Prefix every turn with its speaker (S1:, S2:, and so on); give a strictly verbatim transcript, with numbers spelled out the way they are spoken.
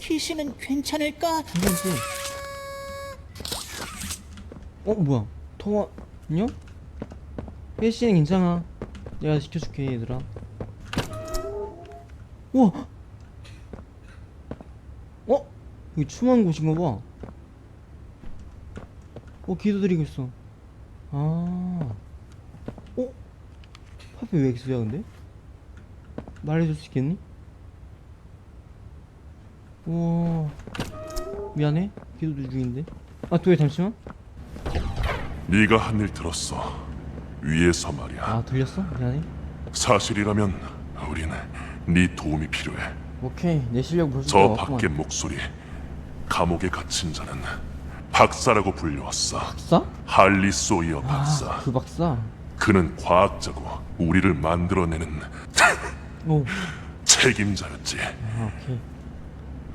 S1: 피씨는 괜찮을까?
S2: 괜찮지? 어 뭐야? 통화 안녕? 혜씨는 괜찮아. 내가 지켜줄게 얘들아. 우와! 어? 여기 추모한 곳인가 봐. 어 기도드리고 있어. 아. 어? 하필 왜 기수야 근데? 말해줄 수 있겠니? 우와. 미안해. 기도 중인데. 아 도희 잠시만.
S3: 네가 한 일 들었어. 위에서 말이야.
S2: 아 들렸어? 미안해.
S3: 사실이라면 우리는 네 도움이 필요해.
S2: 오케이 내 실력 볼 수
S3: 저
S2: 없구만.
S3: 밖의 목소리. 감옥에 갇힌 자는 박사라고 불려왔어.
S2: 박사?
S3: 할리 소이어 박사.
S2: 아, 그 박사.
S3: 그는 과학자고 우리를 만들어내는
S2: 오.
S3: 책임자였지.
S2: 아 오케이.